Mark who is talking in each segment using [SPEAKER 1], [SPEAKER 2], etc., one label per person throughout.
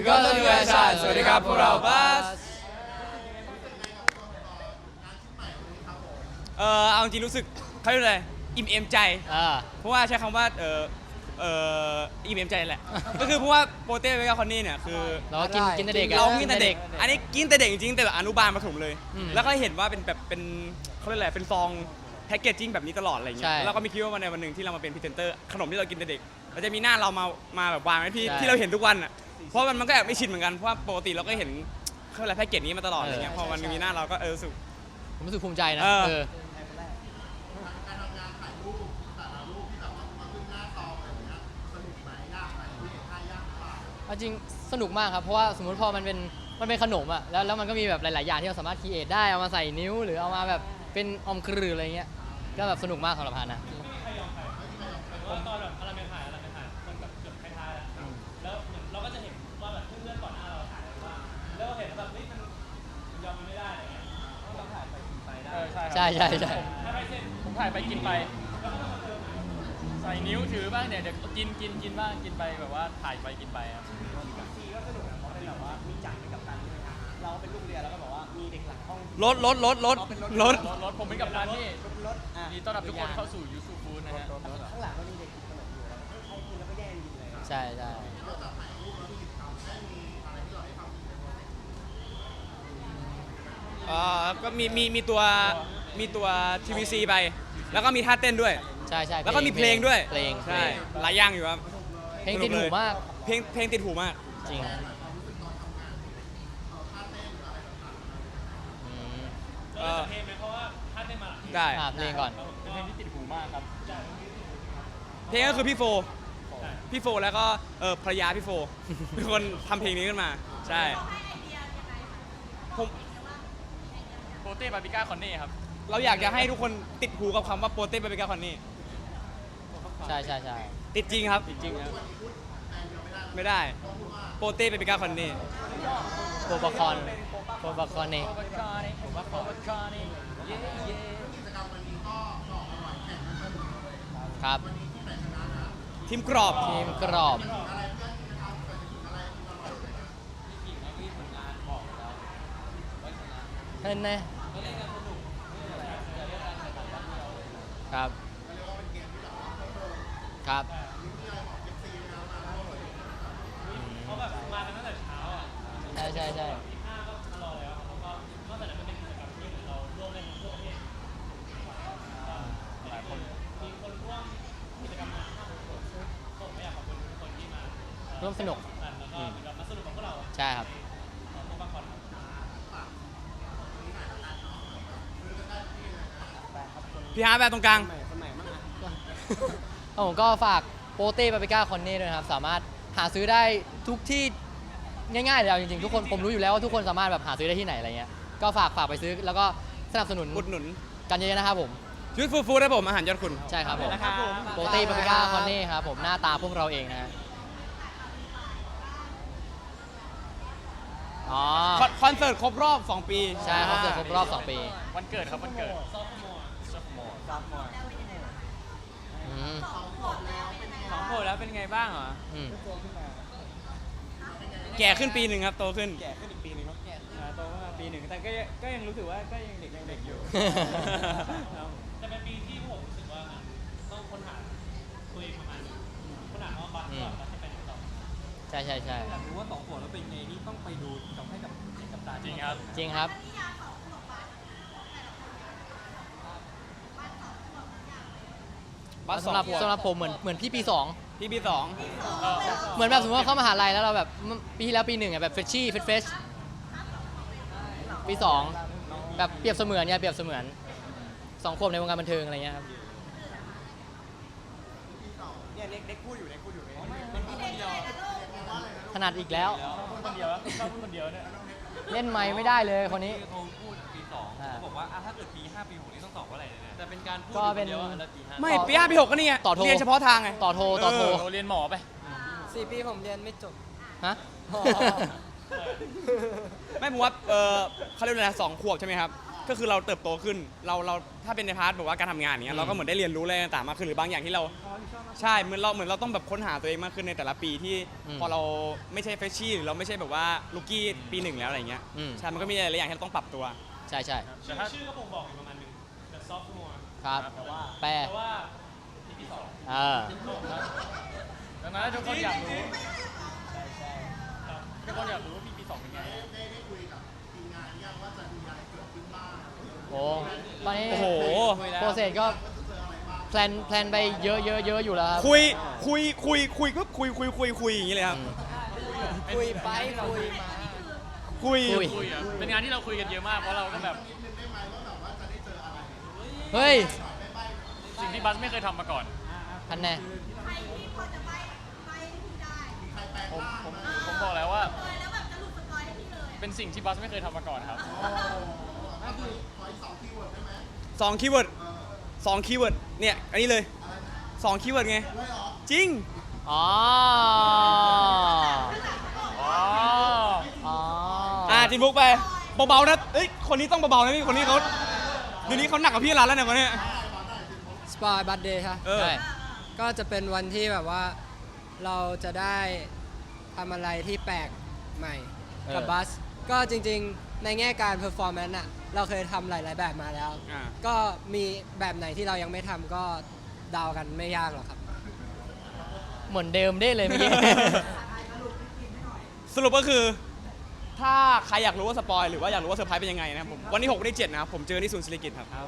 [SPEAKER 1] ก็ต้นเวชาสวัสดีครับพวกเราบัสเอาจริงรู้สึกเขาเรียกอะไรอิ่มเอมใจเพราะว่าใช้คำว่าอิ่มเอมใจแหละก็คือเพราะว่าโปเต้เวกาคอนนี่เนี่ยคือ
[SPEAKER 2] เรากินแต่เด็ก
[SPEAKER 1] เรากินแต่เด็กอันนี้กินแต่เด็กจริงๆแต่แบบอนุบาลประถมเลยแล้วก็เห็นว่าเป็นแบบเป็นเขาเรียกอะไรเป็นซองแพ็กเกจจิ้งแบบนี้ตลอดอะไรเงี้ยแล้วก็ไม่คิดว่าวันในวันหนึ่งที่เรามาเป็นพรีเซนเตอร์ขนมที่เรากินแต่เด็กเราจะมีหน้าเรามาแบบวางไว้ที่เราเห็นทุกวันอ่ะเพราะมันก็แอบไม่ชินเหมือนกันเพราะว่าปกติเราก็เห็นเขาเรียกอะไรแพ็กเกจนี้มาตลอดอะไรเงี้ยพอมันมีหน้าเราก็รู้สึก
[SPEAKER 2] ผมรู้สึกภูมิใจนะจริงสนุกมากครับเพราะว่าสมมติพอมันเป็นขนมอ่ะแล้วมันก็มีแบบหลายๆอย่างที่เราสามารถครีเอทได้เอามาใส่นิ้วหรือเอามาแบบเป็นอมกรืออะไรเงี้ยก็แบบสนุกมากสำหรับพานะ
[SPEAKER 3] ตอนแบบเราไปถ่ายมันแบบเกือบท้ายๆแล้วเหมือนเราก็จะเห็นว่าแบบเพื่อนๆก่อนหน้าเราถ่ายอะไรบ้างแล้วเห็นแบบนี่มันยอมมันไม่ได้อะไรเงี้ยต้องถ่ายไปกินไปได้
[SPEAKER 2] ใช่
[SPEAKER 3] ถ้าไม่เสร็จผมถ่ายไปกินไปใส่นิ้วถือบ้างเนี่ยเดี๋ยวกินบ้างกินไปแบบว่าถ่ายไปกินไปครับทีก็สนุกนะเพราะเป็นแบบว่ามีจังเป็นกัปตันเราเป็นลูกเรือแล้วก็บอกว่ามีเด็กหลังห้อง
[SPEAKER 1] รถ
[SPEAKER 3] ผมเป็นกัปตันที่นี่ต้อนรับทุกคนเข้าสู่ยูซูฟูนะฮะ
[SPEAKER 4] ข้างหลังก็มีเด็กขนมอยู่แล้วใครกินแล้วก็แย่งกินเลย
[SPEAKER 2] ใช่
[SPEAKER 1] ก็มีตัว TVC ไปแล้วก็มีท่าเต้นด้วย
[SPEAKER 2] ใช่
[SPEAKER 1] แล้วก็มีเพลงด้วย
[SPEAKER 2] ใช่
[SPEAKER 1] หลายอย่างอยู่ครับ
[SPEAKER 2] เพลงติดหูมาก
[SPEAKER 1] เพลงติดหูมาก
[SPEAKER 2] จริง
[SPEAKER 3] เพลงไหมเพราะว่าท่านได้มา
[SPEAKER 1] ได้
[SPEAKER 2] เพลงก่อน
[SPEAKER 3] เป็นเพลงที่ติดหูมากครับ
[SPEAKER 1] เพลงก็คือพี่โฟแล้วก็ภรรยาพี่โฟเป็นคนทำเพลงนี้ขึ้นมาใช่ผม
[SPEAKER 3] โปเต้บาร์บีก้าคอนเน่ครับ
[SPEAKER 1] เราอยากจะให้ทุกคนติดหูกับคำว่าโปเต้บาร์บีก้าคอนนี่
[SPEAKER 2] ใช่
[SPEAKER 1] ติดจริงครับไม่ได้โปเต้บาร์บีก้าคอนนี่
[SPEAKER 2] โปบาคอนนี่ครับ
[SPEAKER 1] ทีมกรอบ
[SPEAKER 2] เห็นไหมครับ
[SPEAKER 3] เขาแบบมากันตั้งแต่เช้าอ่ะ
[SPEAKER 2] ใช่
[SPEAKER 3] 5ก็มารอแล้วแล้วก็นอกจากนั้นมันเป็นกิจกรรมที่เราร่วมเล่นทั่วประเทศหลายคนมีคนร่วมกิจกรรมมา5คนผมไม่อยากขอบคุณทุกคนที่มา
[SPEAKER 2] ร่วมสนุก
[SPEAKER 3] แล้วก็มาสนุกกับพวกเรา
[SPEAKER 2] ใช่ครับ
[SPEAKER 1] พี่ฮาร์ดแบบตรงกลาง
[SPEAKER 2] ผมก็ฝากโปเต้บาร์บีก้าคอนเน่ด้วยนะครับสามารถหาซื้อได้ทุกที่ง่ายๆเลยจริงๆทุกคนผมรู้อยู่แล้วว่าทุกคนสามารถแบบหาซื้อได้ที่ไหนอะไรเงี้ยก็ฝากไปซื้อแล้วก็สนับสนุน
[SPEAKER 1] อุดหนุน
[SPEAKER 2] กันเยอะๆนะครับผม
[SPEAKER 1] ยูทูบฟู้ดครับผมอาหารยอดคุณ
[SPEAKER 2] ใช่ครับผมโปเต้บาร์บีก้าคอนเน่ครับผมหน้าตาพวกเราเองนะ
[SPEAKER 1] คอนเสิร์ตครบรอบ2 ปี
[SPEAKER 2] ใช่คอนเสิร์ตครบรอบ2 ปี
[SPEAKER 3] วันเกิดครับวันเกิดซอฟมอร์2 ขวบแล้วเป็นไงบ้างเหรอ
[SPEAKER 1] แก่ขึ้นปีหนึ่งครับโตขึ้น
[SPEAKER 3] แก่ขึ้นอีกปีหนึ่งครับโตขึ้นปีหนึ่งแต่ก็ยังรู้สึกว่าก็ยังเด็กอยู่แต่เป็นปีที่ผมรู้สึกว่าต้องค้นหาตัวเองประมาณค้นหาว่าบัสก่อนแล้วจะไปไหนต่อ
[SPEAKER 2] ใช่
[SPEAKER 3] อยากรู้ว่า2 ขวบแล้วเป็นไงนี่ต้องไปดูให้กับตาจริง
[SPEAKER 2] ครับสำหรับผมเหมือนพี่ปี2เหมือนแบบสมมติว่าเข้ามหาลัยแล้วเราแบบปีที่แล้วปี 1อ่ะแบบเฟรชชี่เฟรชปี2แบบเปรียบเสมือน2 ขวบในวงการบันเทิงอะไรเงี้ยครับ
[SPEAKER 4] เนี่ยเล็กพูดอยู่
[SPEAKER 3] มันพูดคนเดียว
[SPEAKER 2] ถนัดอีกแล้ว
[SPEAKER 3] พูดคนเดียวเนี่ย
[SPEAKER 2] เล่นไมค์ไม่ได้เลยคนนี้
[SPEAKER 3] เขาพูดปี2เขาบอกว่าถ้าเกิดปี5ปี6นี่ต้องตอบว่าอะไรเนี่ยแต่เป็นการพูด
[SPEAKER 2] คน
[SPEAKER 3] เดียว
[SPEAKER 1] ไม่ปี5ปี6ก็นี่ไงเรียนเฉพาะทางไง
[SPEAKER 2] ต่อโท
[SPEAKER 3] เรียนหมอไป
[SPEAKER 4] 4 ปีผมเรียนไม่จบ
[SPEAKER 2] ฮะ
[SPEAKER 1] ไม่ผมว่าเขาเรียกอะไรนะ2 ขวบใช่ไหมครับก็คือเราเติบโตขึ้นเราถ้าเป็นในพาร์ทแบบว่าการทำงานเนี้ยเราก็เหมือนได้เรียนรู้อะไรต่างๆมากขึ้นหรือบางอย่างที่เราใช่เหมือนเราต้องแบบค้นหาตัวเองมากขึ้นในแต่ละปีที่พอเราไม่ใช่เฟรชชี่หรือเราไม่ใช่แบบว่าลูกี้ปีหนึ่งแล้วอะไรเงี้ยใช่มันก็มีหลายๆอย่างที่เราต้องปรับตัว
[SPEAKER 2] ใช่
[SPEAKER 3] แต่ถ้า
[SPEAKER 5] ชื่อก็บ่งบอกอยู่ประมาณนึง The Sophomore
[SPEAKER 2] ครับ
[SPEAKER 3] แต่ว่า
[SPEAKER 2] แปล
[SPEAKER 5] แต่ว่า EP 2
[SPEAKER 2] เออ
[SPEAKER 3] ดังนั้นทุกคนอยากรู้ทุกคนอยากรู้ว่าปี2เป็นไง
[SPEAKER 2] โอ้ตอนนี้
[SPEAKER 1] โอ้โห
[SPEAKER 2] โปรเซสก็แพลนไปเยอะอยู่แล้วครับ
[SPEAKER 1] คุยอย่างนี้เลยครับ
[SPEAKER 4] คุยไปคุยมา
[SPEAKER 1] คุย
[SPEAKER 3] คุยอ่ะเป็นงานที่เราคุยกันเยอะมากเพราะเราก็แบบ
[SPEAKER 2] เฮ้ย
[SPEAKER 3] สิ่งที่บัสไม่เคยทำมาก่อน
[SPEAKER 2] ทันแน่
[SPEAKER 3] ผมบอกแล้วว่า เป็นสิ่งที่บัสไม่เคยทำมาก่อนครับ
[SPEAKER 1] 2 คีย์เวิร์ดเนี่ยอันนี้เลย2 คีย์เวิร์ดไงจริง
[SPEAKER 2] อ๋อ
[SPEAKER 3] อ๋อ
[SPEAKER 2] อ๋อ
[SPEAKER 1] จินบุ๊กไปเบาๆนะเอ้ยคนนี้ต้องเบาๆนะพี่คนนี้เขาเดี๋ยวนี้เขาหนักกว่าพี่ร้านแล้วเนี่ยคนเนี้ย
[SPEAKER 4] สปอยบัตเดย์ค่ะ
[SPEAKER 1] เออ
[SPEAKER 2] ใช่
[SPEAKER 4] ก็จะเป็นวันที่แบบว่าเราจะได้ทำอะไรที่แปลกใหม่กับบัส ก็จริงๆในแง่การเพอร์ฟอร์แมนซ์อะเราเคยทำหลายๆแบบมาแล้ว
[SPEAKER 1] อ่า
[SPEAKER 4] ก็มีแบบไหนที่เรายังไม่ทำก็เดากันไม่ยากหรอกครับ
[SPEAKER 2] เหมือนเดิมได้เลยเมื่อกี้
[SPEAKER 1] สรุปก็คือ ถ้าใครอยากรู้ว่าสปอยหรือว่าอยากรู้ว่าเซอร์ไพรส์เป็นยังไงนะครับผมวันที่6วันที่7นะครับผมเจอที่ศูนย์ศิริกิติ์ครับ
[SPEAKER 2] ค่ะ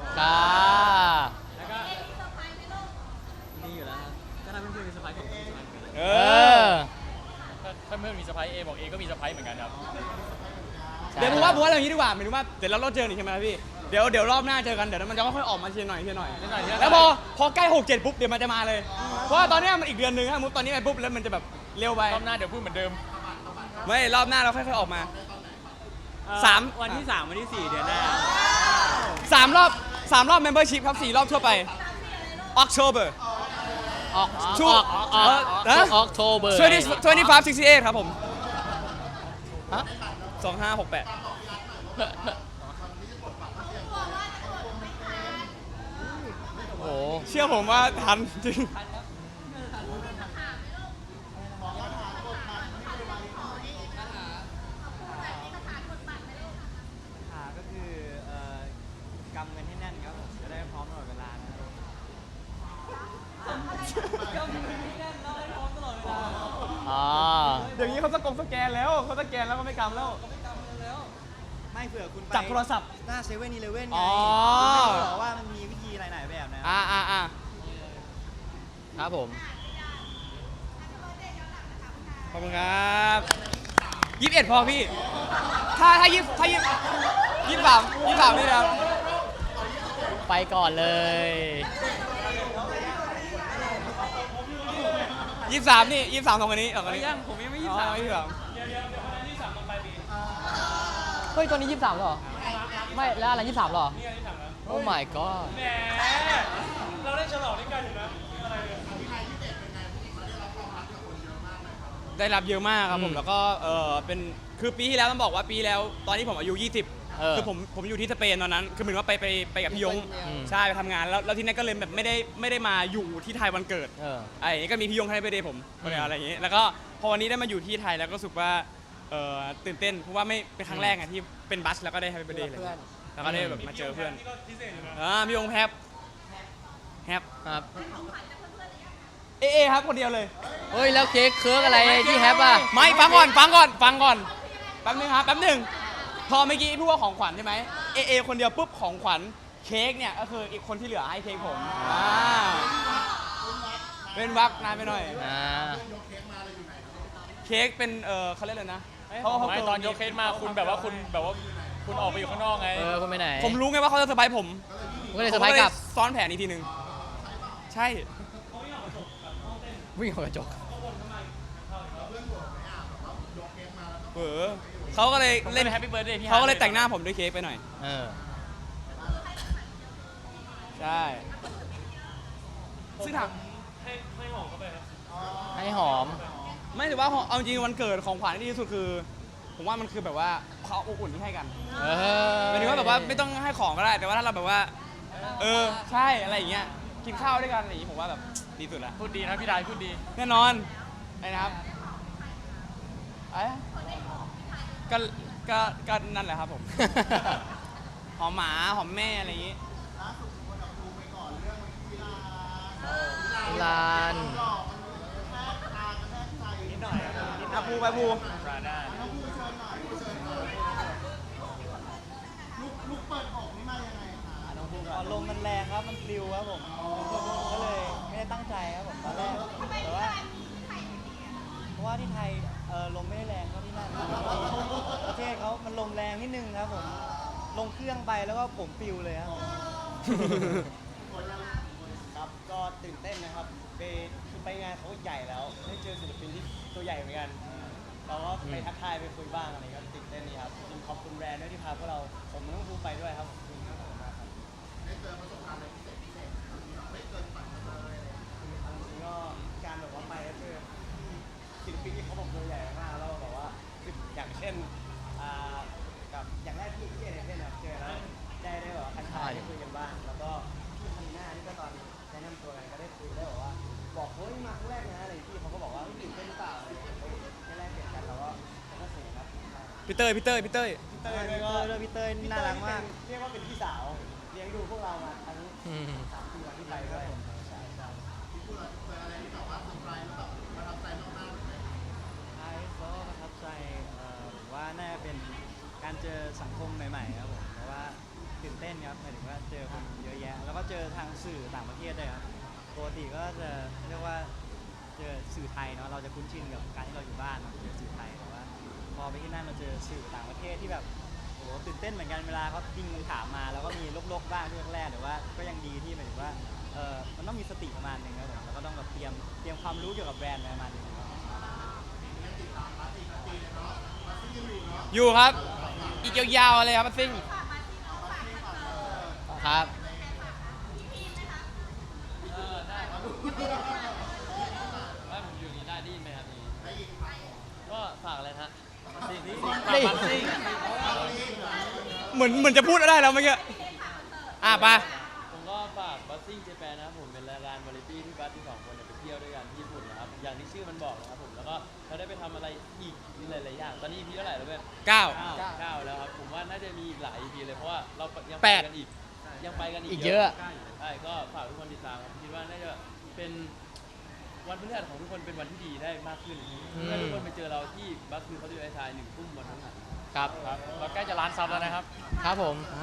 [SPEAKER 4] มีอยู่แล้วครับก็ทำให้เพื่อนมีเซอร์ไพรส์ของเพื่อน
[SPEAKER 1] เอ
[SPEAKER 2] เอ
[SPEAKER 1] อ
[SPEAKER 2] อ
[SPEAKER 3] ถ้าเพื่อนมีเซอร์ไพรส์เอบอกเอก็มีเซอร์ไพรส์เหมือนกันครับ
[SPEAKER 1] เดี๋ยวผมว่าอย่างนี้ดีกว่าหมายถึงว่าเดี๋ยวเราเจออีกใช่ไหมครับพี่เดี๋ยวรอบหน้าเจอกันเดี๋ยวมันจะค่อยๆออกมาทีละหน่อย แล้วพอใกล้6 7ปุ๊บเดี๋ยวมันจะมาเลยเพราะว่าตอนเนี้ยมันอีกเดือนนึงครับมุดตอนนี้ไปปุ๊บแล้วมันจะแบบเร็วไป
[SPEAKER 3] รอบหน้าเดี๋ยวพูดเหมือนเดิม
[SPEAKER 1] ไม่รอบหน้าเราค่อยๆออกมา
[SPEAKER 5] วันที่ 3 วันที่ 4 เดือนหน้า
[SPEAKER 1] 3 รอบ membership ครับ4 รอบทั่วไป October
[SPEAKER 2] ออก
[SPEAKER 1] ช่วง
[SPEAKER 2] ออกโทเบอร์
[SPEAKER 1] 25 68ครับผม
[SPEAKER 2] ฮะ
[SPEAKER 1] 2568
[SPEAKER 2] โอ้
[SPEAKER 1] เชื่อผมว่าทันจริง
[SPEAKER 4] ก็คือกำเงินให้แน่นครับผมจะได้พร้อมตลอดเวลานะครับ
[SPEAKER 2] อ๋อ
[SPEAKER 1] เดี๋ยวนี้เขาสแกนแล้วเขาสแกนแล้วก็ไม่กำแล้ว
[SPEAKER 6] ไม่เผื่อคุณไป
[SPEAKER 1] จับโทรศัพท์
[SPEAKER 6] หน้าเซเว่นอีเลเว่นไง
[SPEAKER 1] อ๋อ
[SPEAKER 6] คุณไม่บอกว่ามันมีวิธีหลายๆแบบนะ
[SPEAKER 2] ครับผม
[SPEAKER 1] ขอบคุณครับ21พอพี่ ถ้า23นี่นะครับ
[SPEAKER 2] ไปก่อนเลย
[SPEAKER 1] 23นี่23ของอันนี้ของอันนี้
[SPEAKER 5] ยังผมยังไม่
[SPEAKER 1] อ๋อ23
[SPEAKER 2] เฮ้ย ตอนนี้ 23แล้วเหรอ ไม่ แล้วอะไร 23เหรอ โอ้ my god
[SPEAKER 5] แหมเราได้ฉลองด้วยกันอยู่นะ
[SPEAKER 1] ได้รับเยอะมากครับผ
[SPEAKER 2] อื
[SPEAKER 1] ม
[SPEAKER 2] ม
[SPEAKER 1] แล้วก็เป็นคือปีที่แล้วต้องบอกว่าปีแล้วตอนที่ผมอายุ
[SPEAKER 2] เออ
[SPEAKER 1] 20 คือผมอยู่ที่สเปนตอนนั้น คือเหมือนว่าไปกับพี่ยง
[SPEAKER 2] อืม
[SPEAKER 1] ใช่ไปทำงานแล้วที่นั่นก็เลยแบบไม่ได้มาอยู่ที่ไทยวันเกิด
[SPEAKER 2] เออ
[SPEAKER 1] ไอ้นี่ก็มีพี่ยงให้ไปเดย์ผมอะไรอย่างงี้ แล้วก็พอวันนี้ได้มาอยู่ที่ไทยแล้วก็รู้สึกว่าตื่นเต้นเพราะว่าไม่เป็นครั้งแรกอะที่เป็นบัสแล้วก็ได้ให้ไปเดย์เลย
[SPEAKER 4] เพื่อน
[SPEAKER 1] แล้วก็ได้แบบมาเจอเพื่อน
[SPEAKER 5] นี่ก็พิเศษอยู่นะ
[SPEAKER 1] พี่ยงแฮป
[SPEAKER 2] ครับ
[SPEAKER 1] เอครับคนเดียวเลย
[SPEAKER 2] เฮ้ย แล้วเค้กเคิร์กอะไรที่แฮปอ่ะ
[SPEAKER 1] ไม่ฟังก่อนแป๊บนึงครับแป๊บนึงพอเมื่อกี้พูดว่าของขวัญใช่ไหมเอคนเดียวปุ๊บของขวัญเค้กเนี่ยก็คืออีกคนที่เหลือให้เค้กผมเป็นวักนานไปหน่อย
[SPEAKER 2] อ่า
[SPEAKER 1] เค้กเป็นเขาเรียกอะไรนะ
[SPEAKER 3] ไม่ตอนยกเคสมาคุณแบบว่าคุณออกไปอยู่ข้างนอกไง
[SPEAKER 2] เออคุณไปไหน
[SPEAKER 1] ผมรู้ไงว่าเขาจะเซอร์ไพรส์ผม
[SPEAKER 2] ผมก็เลยเซอร์ไพรส์กลับ
[SPEAKER 1] ผมก็เลยซ้อนแผนอีกทีหนึ่งใช่
[SPEAKER 2] วิ่งออกกระจก
[SPEAKER 1] เขาก็เลย
[SPEAKER 3] ผม
[SPEAKER 1] เล่น
[SPEAKER 3] เป็นแฮปปี้เบิร์ดเดย์พี่
[SPEAKER 1] เขาก็เลยแต่งหน้าผมด้วยเค้กไปหน่อย
[SPEAKER 2] เออ
[SPEAKER 1] ใช่ซึ่งถาม
[SPEAKER 5] ให้หอมเข้าไปครับ
[SPEAKER 2] ให้หอม
[SPEAKER 1] ไม่ถือว่าเอาจริงวันเกิดของขวัญที่ดีที่สุดคือผมว่ามันคือแบบว่าความอบอุ่นที่ให้กัน
[SPEAKER 2] เออ
[SPEAKER 1] หมายถึงว่าแบบว่าไม่ต้องให้ของก็ได้แต่ว่าถ้าเราแบบว่าใช่อะไรอย่างเงี้ยกินข้าวด้วยกันอะไรอย่างงี้ผมว่าแบบดีสุดละ
[SPEAKER 3] พูดดีนะพี่ไดพูดดี
[SPEAKER 1] แน่นอนไอ้นะครับไอ้ก็ก็นั่นแหละครับผม หอมหมาหอมแม่อะไรอย่างงี้
[SPEAKER 2] ลาน
[SPEAKER 1] อ่ะภูไปภู
[SPEAKER 3] ปราด้า
[SPEAKER 6] ลมมันแรงครับ มันปลิวครับผม ก็เลยไม่ได้ตั้งใจครับผมตอนแรกแต่ว่าเพราะว่าที่ไทยลมไม่ได้แรงเท่าที่นั่นประเทศเขามันลมแรงนิดนึงครับผม ลงเครื่องไปแล้วก็ผมปลิวเลยครับ
[SPEAKER 5] ครับก็ตื่นเต้นนะครับคือไปงานเขาใหญ่แล้วได้เจอศิลปินที่ตัวใหญ่เหมือนกันเราก็ไปทักทายไปคุยบ้างอะไรก็ตื่นเต้นดีครับจริงขอบคุณแบรนด์ด้วยที่พาพวกเราผมต้องภูไปด้วยครับขอบคุณมากครับได้เจอประสบการณ์อะไรพิเศษไม่เกินฝันเลยจริงก็การแบบว่าไปแล้วเจอศิลปินที่เขาบอกตัวใหญ่มากแล้วแบบว่าอย่างเช่นกับอย่างแรกที่เอเนเธนเจอแล้วได้แบบว่าทักทายได้คุยกันบ้างแล้วก็พี่คันหน้านี่ก็ตอนแนะนำตัวกันก็ได้คุยได้บอกว่าบอกเฮ้ยมาครั้งแรกนะอะไรพี่เขาก็บอกว่าตื่นเต้นหรือเปล่าได้แรกเปลี่ยนกันแล้วก็สนุกครับ
[SPEAKER 1] พี่เต้ย
[SPEAKER 6] พี่เต้ยน่ารักมาก
[SPEAKER 5] เรียกว่าเป็นพี่สาวเลี้ยงดูพวกเรามาทั้ง
[SPEAKER 2] อืม
[SPEAKER 5] 3 ปีวันที่ไปด้วยใช่ใช่
[SPEAKER 6] ไอซ์ก็ประทับใจผมว่าน่าจะเป็นการเจอสังคมใหม่ๆครับผมเพราะว่าตื่นเต้นครับหมายถึงว่าเจอคนเยอะแยะ แล้วก็เจอทางสื่อต่างประเทศด้วยครับปกติก็จะเรียกว่าเจอสื่อไทยเนาะเราจะคุ้นชินกับการที่เราอยู่บ้านเนาะเจอสื่อไทยแต่ว่าพอไปที่นั่นมาเจอสื่อต่างประเทศที่แบบโอ้โหตื่นเต้นเหมือนกันเวลาเขายิงคำถามมาแล้วก็มีลกๆบ้างช่วงแรกแต่ว่าก็ยังดีที่หมายถึงว่ามันต้องมีสติประมาณหนึงครับผมแล้วก็ต้องแบบเตรียมความรู้เกี่ยวกับแบรนด์ประมาณหนึงครับ
[SPEAKER 1] อยู่ครับ อีกยาวๆเลยครับซิ่ง
[SPEAKER 2] ครับ
[SPEAKER 3] ว่าผมอยู่นี่ได้ดีไหมครับได้ยินก็ฝากอะไรนะฮะซิ่ง
[SPEAKER 2] นี่
[SPEAKER 3] ฝากซิ่ง
[SPEAKER 1] เหมือนจะพูดได้แล้วเมื่อกี้ไป
[SPEAKER 3] ผมก็ฝากบัสซิ่งเจแปนนะครับผมเป็นรายการวาไรตี้ที่บัสที่2 คนเนี่ยไปเที่ยวด้วยกันที่ญี่ปุ่นนะครับอย่างที่ชื่อมันบอกนะครับผมแล้วก็เราได้ไปทำอะไรอีกหลายๆอย่างตอนนี้ EP เท่าไหร่แล้วเว้ย
[SPEAKER 1] 9
[SPEAKER 3] 9แล้วครับผมว่าน่าจะมีอีกหลาย EP เลยเพราะว่าเรายัง
[SPEAKER 1] แป
[SPEAKER 3] ไป
[SPEAKER 1] ด
[SPEAKER 3] กันอีกยังไปกัน
[SPEAKER 2] อี
[SPEAKER 3] อี
[SPEAKER 2] ก
[SPEAKER 3] ก
[SPEAKER 2] เยอะ
[SPEAKER 3] ใช่ก็ฝากทุกคนติดตามครับคิดว่าน่าจะเป็นวันพฤหัสของทุกคนเป็นวันที่ดีได้มากขึ้นถ้าทุกคนไปเจอเราที่บัสคือเขาดูไอชาย1 ทุ่มวันพฤหัส
[SPEAKER 2] ครับ
[SPEAKER 3] ครับเราใกล้จะล้านซับแล้วนะครับ
[SPEAKER 2] ครับผม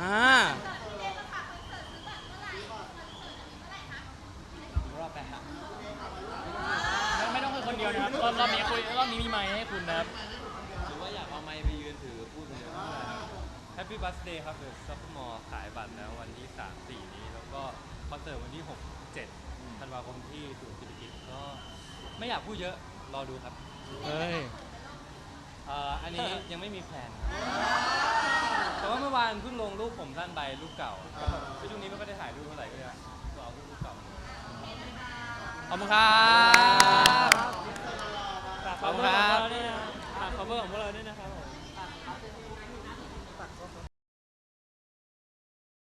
[SPEAKER 3] รอบแปดฮะไม่ต้องคุยคนเดียวนะครับรอบนี้คุยรอบนี้มีไมค์ให้คุณนะครับหรือว่าอยากเอาไมค์ไปยืนถือพูดคนเดียว
[SPEAKER 7] Happy Birthday ครับเดอะซัพพอร์ขายบัตรแล้ววันที่ 3-4 นี้ แล้วก็คอนเสิร์ตวันที่ 6-7 ธันวาคมที่ศูนย์เศรษฐกิจก็ไม่อยากพูดเยอะรอดูครับ
[SPEAKER 2] เฮ้ย
[SPEAKER 7] อันนี้ยังไม่มีแพลนแต่ว่าเมื่อวานเพิ่งลงรูปผมสั้นใบรูปเก่าก็ช่วงนี้ไม่ค่อยได้ถ่ายรูปเท่าไหร่ก็เลยเอารูปเก่า
[SPEAKER 1] ขอบคุณครับ